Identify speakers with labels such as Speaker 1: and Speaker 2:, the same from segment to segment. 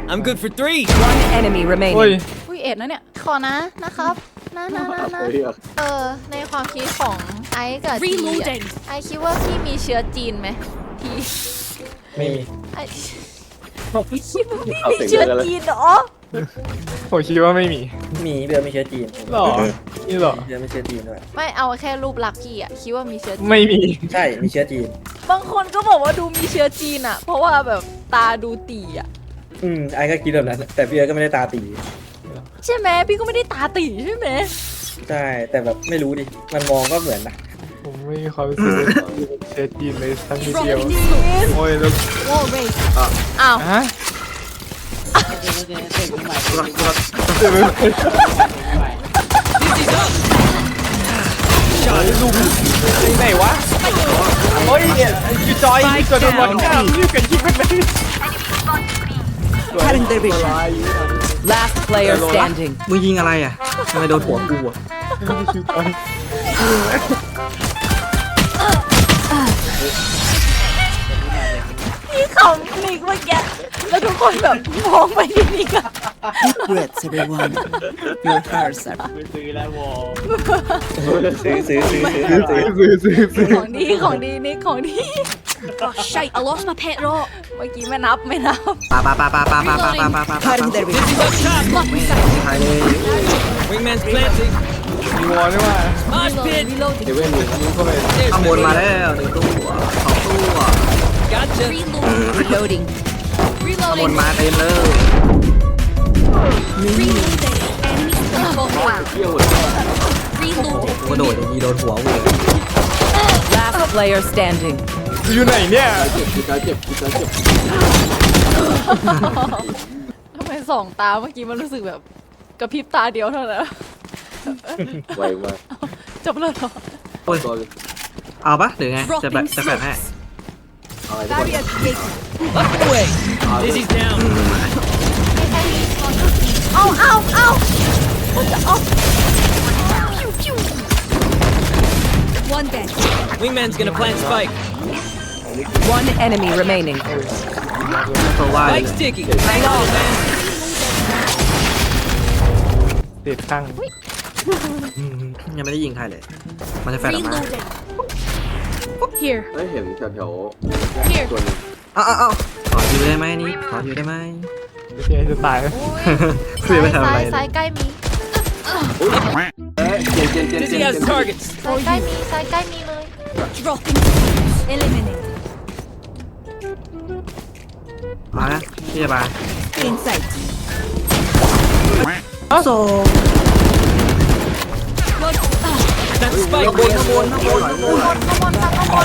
Speaker 1: I'm good for 3.
Speaker 2: One enemy
Speaker 3: โอ้ย
Speaker 2: remaining.
Speaker 4: อุ้ยเอ็ดนะเนี่ยขอนะครับนะในความคิดของไอซ์กับทีไอซ์คิดว่าพี่มีเชื้อจีนไหมพี่
Speaker 3: ไม่มี
Speaker 4: ไอซ์คิดว่าพี่มีเชื้อจีนเหรอ
Speaker 3: ผมคิดว่าไม่มี
Speaker 5: มีเบียร์ไม่เชื้อจีน
Speaker 3: หรอนี่หรอ
Speaker 5: เบียร์ไม่เชื้อจีนด้วย
Speaker 4: ไม่เอาแค่รูปลักษณ์พี่อะคิดว่ามีเชื้อจีน
Speaker 3: ไม่มี
Speaker 5: ใช่มีเชื้อจีน
Speaker 4: บางคนก็บอกว่าดูมีเชื้อจีนอะเพราะว่าแบบตาดูตีอะ
Speaker 5: ไอ้ก็คิดแบบนั้นแต่พี่เอิร์ธก็ไม่ได้ตาตี
Speaker 4: ใช่ไหมพี่ก็ไม่ได้ตาตีใช่ไหม
Speaker 5: ใช่แต่แบบไม่รู้ดิมันมองก็เหมือนนะ
Speaker 3: ผมไม่มีความรู้สึกว่าเชื้อจีนเลยสักนิดเดียวโอ้ยแล้ว
Speaker 4: อ้าว
Speaker 3: ฮะ ไหนวะโอ้ยเนี่ยคือจอยกดโดนบอลข้ามยืดกันยิงมันเลย
Speaker 2: Cutting their vision. Last player standing.
Speaker 5: มึงยิงอะไรอ่ะทำไมโดนหัวกูอ่ะ
Speaker 4: พี่ขำนิกเมื่อกี้แล้วทุกคนแบบมองไปที่นิกอะ
Speaker 2: Deep breaths, everyone. Your hearts are.
Speaker 5: ซื้อ
Speaker 4: ของดีของดีนิกของดี
Speaker 6: Shite, I lost my pet rock.
Speaker 4: เมื่อกี้ไม่นับ
Speaker 5: ปา
Speaker 2: Cutting their vision.
Speaker 6: Blocking sight.
Speaker 5: ถ่ายเลย
Speaker 1: Wingman's planting.
Speaker 3: มีวอลด้วยว่า
Speaker 1: Mosh pit.
Speaker 6: Reloading.
Speaker 3: เข้าไป
Speaker 1: There's
Speaker 5: ข้างบน
Speaker 1: the
Speaker 5: มา
Speaker 1: ring.
Speaker 5: แล้ว1ตัว2ตัว
Speaker 1: Gotcha.
Speaker 6: Reloading.
Speaker 2: Reloading.
Speaker 5: ข้างบน
Speaker 6: Reloading.
Speaker 5: มาเต็มเลย
Speaker 6: Reloading. Enemy spot. Reloading.
Speaker 5: กระโดดอย่างนี้โดนหัวเว้ย
Speaker 2: Last player standing.
Speaker 3: อยู่ไหนเนี่ย
Speaker 4: ทำไมสองตาเมื่อกี้มันรู้สึกแบบกระพริบตาเดียวเท่านั้น
Speaker 7: ไวมาก
Speaker 4: จบแล้วเหรอ
Speaker 5: โอ้ย
Speaker 7: ตัวเลย
Speaker 5: เอาปะหรือไงจะแบบ
Speaker 6: Dropping
Speaker 5: จะแบบให้
Speaker 6: smokes.
Speaker 7: อะไรทุกคน
Speaker 6: Barrier created.
Speaker 1: Up the way. Dizzy's down.
Speaker 4: เอา
Speaker 6: One dead.
Speaker 1: Wingman's gonna plant spike.
Speaker 2: One enemy remaining.
Speaker 5: ตัวว่า
Speaker 1: Spike's ticking. Hang on, man.
Speaker 3: เด็ดตั้ง
Speaker 5: ยังไม่ได้ยิงใครเลย มันจะแฟนออกมา
Speaker 6: Reloading. Here.
Speaker 7: ได้เห็นแถว
Speaker 6: Here.
Speaker 7: ๆตัวนึง
Speaker 5: เอาขออยู่ได้ไหมนี่ขออยู่ได้ไหม
Speaker 3: ไม่ใช่จะตาย
Speaker 5: เสียไปทำอะไร
Speaker 4: ซ้ายใกล้มี
Speaker 7: เจน
Speaker 1: Dizzy has targets.
Speaker 4: ซ้ายใกล้มีเลย
Speaker 6: Dropping smokes. Eliminate.
Speaker 5: มานะพี่จะมา
Speaker 6: Inside.
Speaker 5: โซ
Speaker 1: That's spike.
Speaker 4: ข้างบนค่ะข้างบน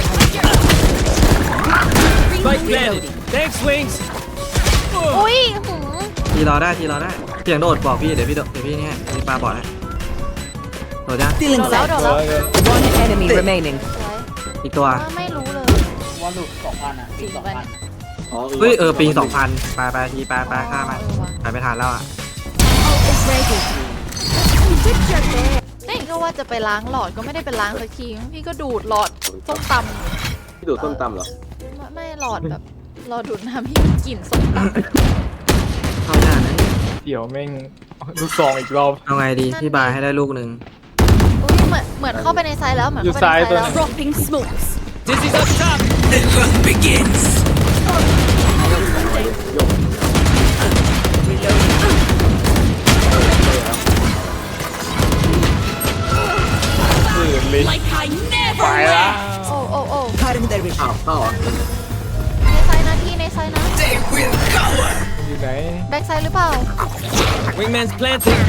Speaker 1: Spike planted. Thanks, Wings.
Speaker 4: อุ้ย
Speaker 5: ทีรอได้เสียงโดดบอกพี่เดี๋ยวพี่เนี่ยพี่ปาบอกนะโดดจ้ะ
Speaker 2: Still
Speaker 4: โดนแล้ว
Speaker 2: inside.
Speaker 4: โดนแล้ว
Speaker 2: One enemy remaining.
Speaker 5: อีกตัว
Speaker 4: ไม่รู้เลย
Speaker 8: ว่าหลุด2,000อ่ะ
Speaker 4: จริงปะเนี่ย
Speaker 7: อ๋อ
Speaker 5: เฮ้ยปิง2,000ไปทีไปฆ่ามันไปไม่ทันแล้วอ่ะ
Speaker 6: Ult is ready.
Speaker 4: นี่ก็ว่าจะไปล้างหลอดก็ไม่ได้ไปล้างสักทีพี่ก็ดูดหลอดส้มต
Speaker 7: พี่ดูดส้มตำเหรอ
Speaker 4: ำไม่หลอดแบบหลอดดูดน้ำที่มีกลิ่นส้มตำ
Speaker 5: เข้าหน้านะ
Speaker 3: เดี๋ยวแม่งลูกซองอีกรอบ
Speaker 5: เอาไงดีพี่บายให้ได้ลูกหนึ่ง
Speaker 4: อุ้ยเหมือนเข้าไปในไซส์แล้วเหมือน
Speaker 3: อยู่
Speaker 4: เข้าไปในไซส์
Speaker 3: ซ้ายตัว
Speaker 4: แล้ว
Speaker 3: นึง
Speaker 6: Dropping smokes.
Speaker 1: Dizzy's up top.
Speaker 3: ตื่นเลย
Speaker 6: Like I never
Speaker 3: ไปละ
Speaker 6: left.
Speaker 4: โอ้
Speaker 2: Cutting their vision.
Speaker 7: อ้าวเข้าเหรอ
Speaker 4: ในไซส์นะพี่ในไซส์นะ
Speaker 3: อยู่ไหน
Speaker 4: แบ็กไซส์หรือเปล่า
Speaker 1: Wingman's planting.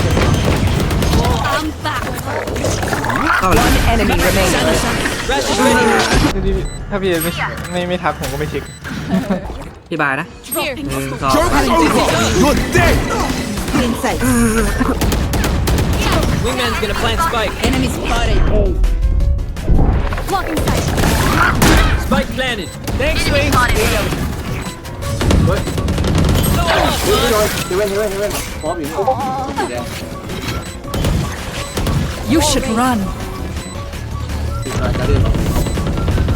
Speaker 6: I'm back.
Speaker 5: เข้าแล้ว
Speaker 2: One enemy remaining.
Speaker 1: Rash is ready.
Speaker 3: ถ้าพี่ไม่ทักผมก็ไม่เช็ค
Speaker 5: พี่บายนะ
Speaker 6: Dropping
Speaker 5: 1
Speaker 6: smokes.
Speaker 5: 2
Speaker 2: Inside.
Speaker 1: Wingman's gonna plant spike.
Speaker 2: Enemy spotted.
Speaker 6: Blocking sight.
Speaker 1: Spike planted. Thanks, Wings.
Speaker 7: เฮ้ยเฮเว่นพร้อมอยู่นี่สีแดง
Speaker 2: You should run.
Speaker 7: สีฟ้าจะเรียน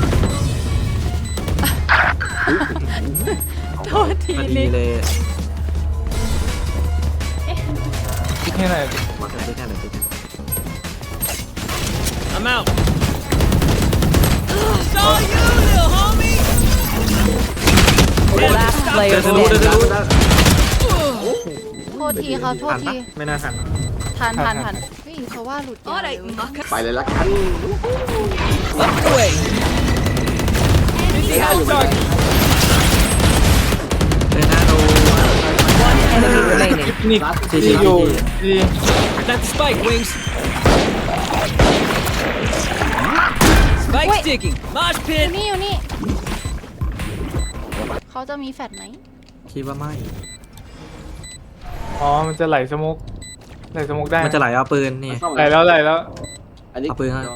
Speaker 4: โทษที
Speaker 5: พอดี
Speaker 4: นิก
Speaker 5: เลย
Speaker 3: ให้หน่อย
Speaker 5: บอกเดี๋ยวติ๊กให้เดี๋ยวติ๊กให้
Speaker 1: I'm out. Saw you, little homie.
Speaker 2: Last
Speaker 5: เดี๋
Speaker 2: player
Speaker 5: ยวจะรู้เดี๋ยวจะ
Speaker 2: standing.
Speaker 5: รู้
Speaker 4: โทษทีครับโทษ
Speaker 5: ทัน
Speaker 4: ที
Speaker 5: ปะไม่น่าทัน
Speaker 4: ทันเฮ้ยเขาว่าหลุดยาวเลย
Speaker 7: ไปเลยละกัน
Speaker 1: Up the way. Busy house target.
Speaker 5: เดินหน้าดู
Speaker 2: One enemy remaining.
Speaker 3: นี่
Speaker 5: ซี
Speaker 3: ที่อยู่ที่
Speaker 1: Plant the spike, Wings. Spike
Speaker 4: Wait.
Speaker 1: sticking. Mosh
Speaker 4: อยู่
Speaker 1: pit.
Speaker 4: นี่อยู่นี่เขาจะมีแฟดไหม
Speaker 5: คิดว่าไม่
Speaker 3: อ๋อมันจะไหลสมุกได้
Speaker 5: มันจะไหลเอาปืนนี่
Speaker 3: ไหลแล้ว
Speaker 7: อันนี้
Speaker 5: เอาปืน
Speaker 7: น้
Speaker 5: มา
Speaker 7: อง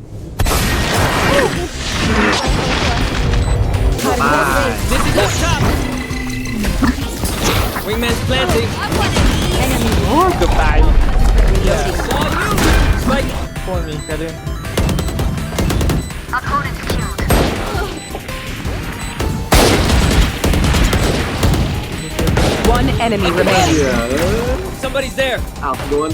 Speaker 5: ป้า
Speaker 1: This is up top. Wingman's planting.
Speaker 3: โอ้เกือบตาย
Speaker 1: Saw you. Spike.
Speaker 3: พวกมีกระเด็น
Speaker 2: One enemy remaining.
Speaker 7: เหี้ย
Speaker 1: Somebody's there.
Speaker 7: อ้าวโดน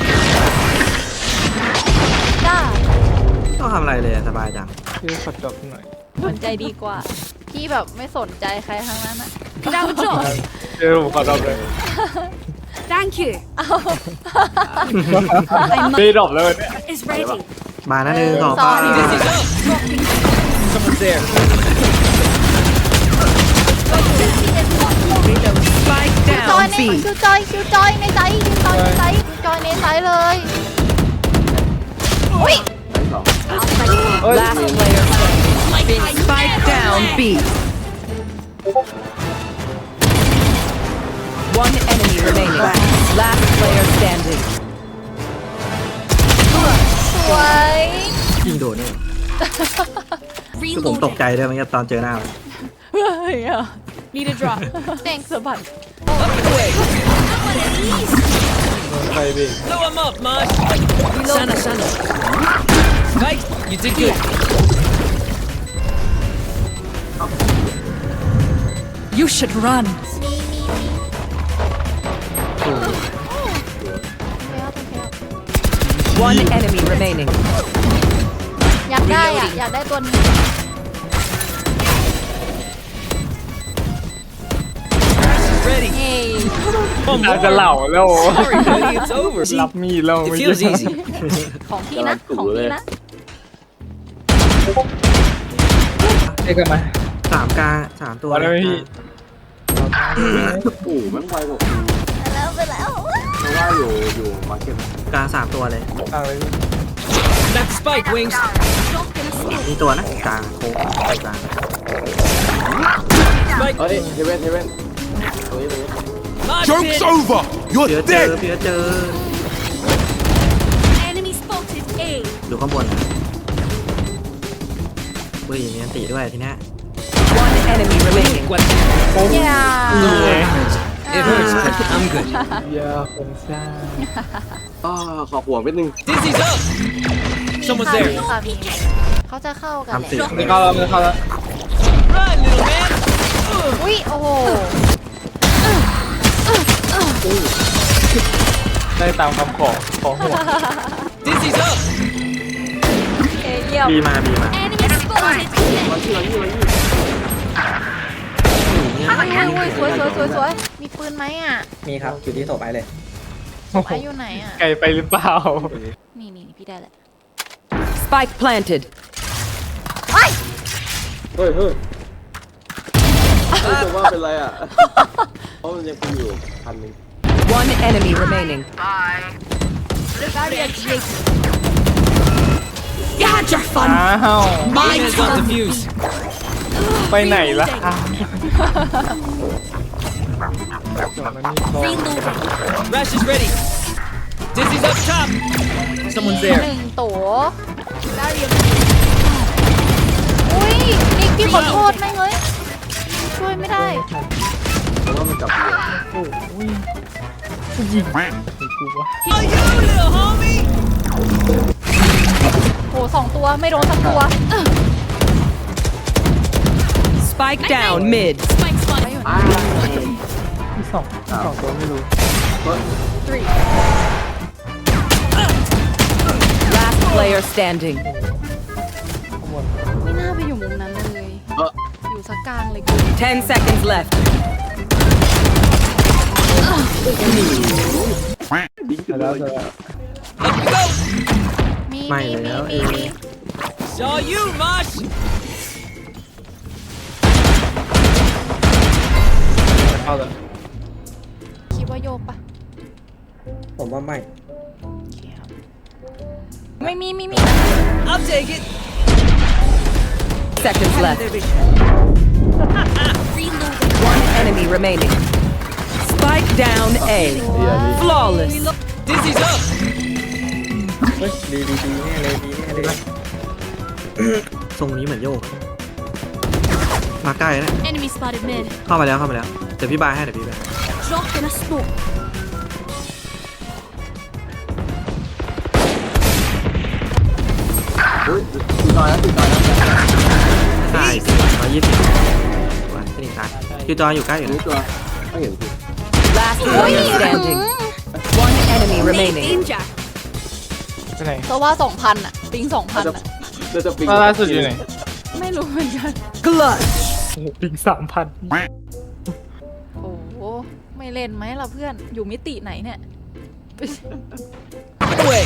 Speaker 4: จ้า
Speaker 5: ต้องทำอะไรเลยสบายจัง
Speaker 3: ที่ขอจบหน่อย
Speaker 4: สนใจดีกว่า พี่แบบไม่สนใจใครทั้งนั้นอะ
Speaker 6: Now drop.
Speaker 3: เดี๋ยวผมขอจบเลย
Speaker 6: Thank you.
Speaker 3: ไม่ดรอปเลยเนี่ย
Speaker 6: Is ready.
Speaker 5: มานะหนึ่งสอง
Speaker 4: ซ้อ
Speaker 5: ป้าน
Speaker 1: This is up. Someone's there.
Speaker 2: Spike
Speaker 4: จอย
Speaker 2: down
Speaker 4: ใน
Speaker 2: B.
Speaker 4: คิวจอยในใจคิวจอยในใจคิวจอยในใจเลยอุ้ย
Speaker 7: สอง
Speaker 2: Last player standing. Spike down B. One enemy remaining. Last player standing.
Speaker 4: สวย
Speaker 5: ยิงโดนเนี่ยคือผมตกใจด้วยมันตอนเจอหน้ามัน
Speaker 4: เฮ้ยอะ
Speaker 6: Need a drop.
Speaker 4: แดงสะบัด
Speaker 1: Up the way.
Speaker 3: ไปดิ
Speaker 1: Blow him up, Mosh. Sana. Spike, you did good.
Speaker 2: You should run.
Speaker 4: แล้ว
Speaker 2: One enemy remaining.
Speaker 4: อยากได้อะอยากได้ตัวนี้
Speaker 1: Ready.
Speaker 4: เฮ้ย
Speaker 1: One
Speaker 3: อาจ
Speaker 1: more.
Speaker 3: จะเหล่าแล้ว
Speaker 1: Sorry, buddy, it's over.
Speaker 3: รับมีดแล้ว
Speaker 1: It feels easy.
Speaker 4: ของพี่นะของพี่นะ
Speaker 3: เอ้กันมา
Speaker 5: สามกลางสามตัว
Speaker 3: มาแล้วพี่
Speaker 7: โอ้โหแม่งไวกว่ากู
Speaker 4: ไปแล้ว
Speaker 7: เพราะว่าอยู่มาร์เก็ต
Speaker 5: กลางสามตัวเลย
Speaker 3: ต่างเลยพี่
Speaker 1: Plant the spike, Wings.
Speaker 5: มีตัวนะกลางโค้งไปกลาง
Speaker 1: Spike.
Speaker 7: เฮ้ยเฮเว่นตรงนี้
Speaker 1: Mosh
Speaker 9: Joke's
Speaker 1: pit.
Speaker 9: over!
Speaker 5: เพีย
Speaker 9: You're
Speaker 5: เจอ
Speaker 9: dead!
Speaker 5: เพียเจอ
Speaker 6: Enemy spotted A.
Speaker 5: ดูข้างบนปืนมีอันติด้วยทีเนี้ย
Speaker 2: One enemy remaining.
Speaker 1: What?
Speaker 4: อย่า
Speaker 1: It hurts, but I'm good.
Speaker 3: เยาคนซ่า
Speaker 7: ขอหัวนิดนึง
Speaker 1: Dizzy's up. Someone's
Speaker 4: ค่ะ
Speaker 1: there.
Speaker 4: มีค่ะมีเขาจะเข้ากันแห
Speaker 5: ทำ
Speaker 4: ละ
Speaker 5: สิ
Speaker 3: ไม่เข้าแล้วไม่เข้าแล้ว
Speaker 1: Run, little man.
Speaker 4: อุ้ยโอ้โห
Speaker 3: ได้ตามคำขอหัว
Speaker 1: Dizzy's up.
Speaker 4: เยี่ยม
Speaker 5: บีมาบีมา
Speaker 6: Enemy spotted.
Speaker 4: อุ้ยสวยมีปืนไหมอ่ะ
Speaker 5: มีครับอยู่ที่โถไปเลย
Speaker 4: ไม้อยู่ไหนอ่ะ
Speaker 3: ไกลไปหรือเปล่า
Speaker 4: นี่พี่ได้แหละ
Speaker 2: Spike planted.
Speaker 7: เฮ้ยจะว่าเป็นไรอ่ะเพราะมันยังเป็นอยู่พันหนึ่ง
Speaker 2: One enemy remaining.
Speaker 6: You had your
Speaker 3: อ้าว
Speaker 6: fun.
Speaker 1: Wingman's on the fuse.
Speaker 3: ไปไหนล่ะ
Speaker 6: Reloading.
Speaker 1: Rash is ready. Dizzy's up top. Someone's
Speaker 4: ห
Speaker 1: there.
Speaker 4: นึ่งตัวอุ้ยนิกพี่ขอโทษไหมเฮ้ยช่วยไม่ได้
Speaker 7: เพราะว่ามันจับอยู่
Speaker 1: Oh, you little homie.
Speaker 4: โอ้สองตัวไม่โดนสักตัว
Speaker 2: Spike down mid.
Speaker 6: Spike spot.
Speaker 3: สองตัวไม่รู้
Speaker 4: 3
Speaker 1: player standing.
Speaker 4: ไม่น่าไปอยู่มุมนั้นเลย อยู่สักกลางเลยกู
Speaker 1: 10 seconds left.
Speaker 7: ดิ้งขึ้นเลย
Speaker 4: มี
Speaker 5: ไม่
Speaker 4: มี
Speaker 5: แล้ว
Speaker 4: มีมี
Speaker 1: Saw you, Mosh.
Speaker 3: เข้าเลย
Speaker 4: คิดว่าโยกปะ
Speaker 5: ผมว่าไม่
Speaker 4: ไม่มี
Speaker 1: I'll take it.
Speaker 2: Seconds left. One enemy remaining. Spike down A. Flawless.
Speaker 1: Dizzy's up.
Speaker 5: เฮ้ยดีแน่เลยดีแน่เลยทรงนี้เหมือนโยก มาใกล้แล้ว
Speaker 6: Enemy spotted mid.
Speaker 5: เข้ามาแล้วเดี๋ยวพี่บายให้เดี๋ยวพี่บาย
Speaker 6: Drop in a smoke.
Speaker 7: เฮ้ยตีต่อยแล้ว
Speaker 5: ใช่120วันที่หนึ่งตายคิวจอยอยู่ใกล้อยู่
Speaker 7: นี่
Speaker 5: นะ
Speaker 7: ตัวไม่เห็นสิ
Speaker 2: Last player standing. One enemy remaining.
Speaker 6: Danger.
Speaker 3: ไปไหน
Speaker 4: เพราะว่า 2,000อะปิง 2,000อะ
Speaker 7: จะปิง
Speaker 3: ล่าสุดอยู่ไหน
Speaker 4: ไม่รู้เหมือนกัน
Speaker 2: Clutch.
Speaker 3: ปิง3,000
Speaker 4: โอ้โหไม่เล่นไหมล่ะเพื่อนอยู่มิติไหนเนี่ย
Speaker 1: Away.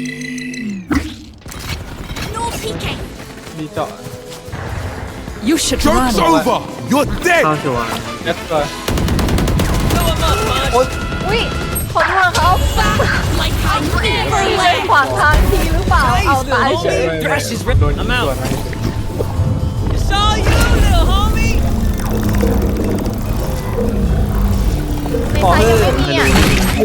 Speaker 6: No peeking.
Speaker 3: มีเจาะ
Speaker 2: You should
Speaker 9: Joke's
Speaker 2: run.
Speaker 9: over! You're dead!
Speaker 5: เข้าชัวร์
Speaker 3: เล็ดตัว
Speaker 1: Blow him up, Mosh.
Speaker 4: อุ้ยขอโทษเขา
Speaker 6: Like I never
Speaker 4: เล่น
Speaker 6: left.
Speaker 4: ขวางทางทีหรือเปล่า เอาตายเฉย
Speaker 1: Thresh is
Speaker 3: โดน
Speaker 1: ready.
Speaker 3: ยิง
Speaker 1: I'm
Speaker 3: ตัว
Speaker 1: out.
Speaker 3: นะ
Speaker 1: Saw you, little homie.
Speaker 4: ในไซส์ยังไม่มีอ่ะ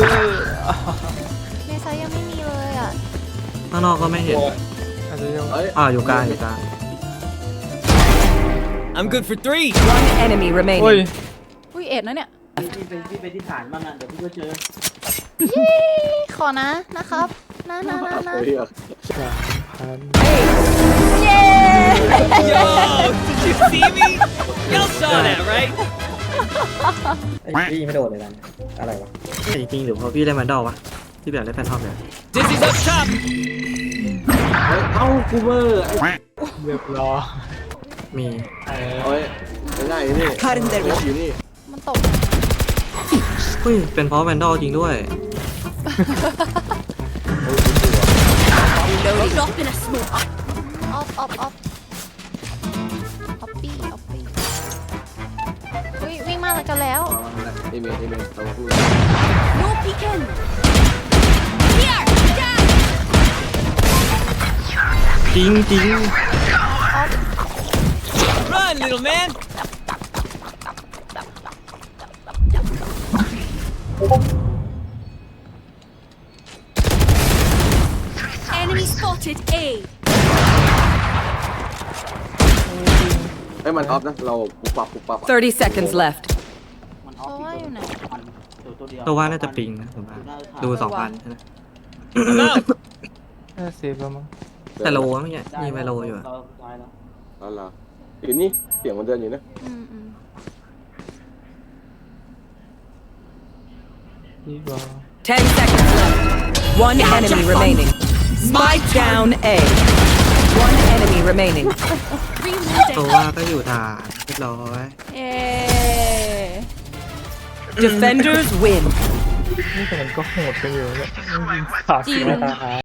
Speaker 4: ในไซส์ยังไม่มีเลยอ่ะ
Speaker 5: ข้างนอกก็ไม่เห็น
Speaker 3: อาจจะยัง
Speaker 7: เฮ้ย
Speaker 5: อยู่กลาง
Speaker 1: I'm good for 3.
Speaker 2: One enemy
Speaker 3: โอ้ย
Speaker 2: remaining.
Speaker 4: อุ้ยเอ็ดนะเนี่ย
Speaker 8: พี่ไปที่ฐานบ้างอ่ะเดี๋ยวพี่ก็เจอ
Speaker 4: ขอนะครับนะ
Speaker 7: เฮ้ย
Speaker 4: เย้
Speaker 1: Yo, did you see me? Y'all saw that, right?
Speaker 5: พี่ไม่โดดเลยนะอะไรวะจริงๆหรือเพราะพี่ได้มันดอวะที่แบบได้แฟนทอมเนี่ย
Speaker 1: Dizzy's up top.
Speaker 7: เอ้ากูเบอร์ไอ้
Speaker 3: เรียบร้อย
Speaker 5: มี
Speaker 7: เฮ้ยง่ายนี่อยู่นี่
Speaker 4: มันตก
Speaker 5: เฮ้ยเป็นเพราะแวนดอลจริงด้วย
Speaker 6: Drop in a smoke.
Speaker 4: ออฟปี้อุ้ยวิ่งมาแล้วกันแล้ว
Speaker 7: เอเมนเราพูด
Speaker 6: No peeking. Here. Down.
Speaker 5: จริง
Speaker 1: Run, little man.
Speaker 6: Enemy spotted A.
Speaker 7: เฮ้ยมันออฟนะเราปุ๊บปั๊บ
Speaker 2: 30 seconds left.
Speaker 8: มัน
Speaker 4: เพราะว่าอยู่ไหน
Speaker 8: ตัวเดียว
Speaker 5: ตัวว่าน่าจะปิงนะผมว่าดู 2,000ใช่ไหม
Speaker 1: I'm out.
Speaker 3: น่าเซฟแล้วมั้ง
Speaker 5: แต่โลเมื่อกี้มีไมโลอยู่อะ
Speaker 8: เราตายแล้ว
Speaker 7: แล้วอยู่นี่เสียงมันเดินอยู่นะ
Speaker 3: ดีกว่า
Speaker 2: 10 seconds left. One enemy remaining. Spike down A. One enemy remaining.
Speaker 5: ตัวว่าก็อยู่ฐานเรียบร้อย
Speaker 4: เย้
Speaker 2: Defenders win.
Speaker 3: นี่แต่มันก็โหดกันอยู่เนี่ยยิงขาดเสียตาหา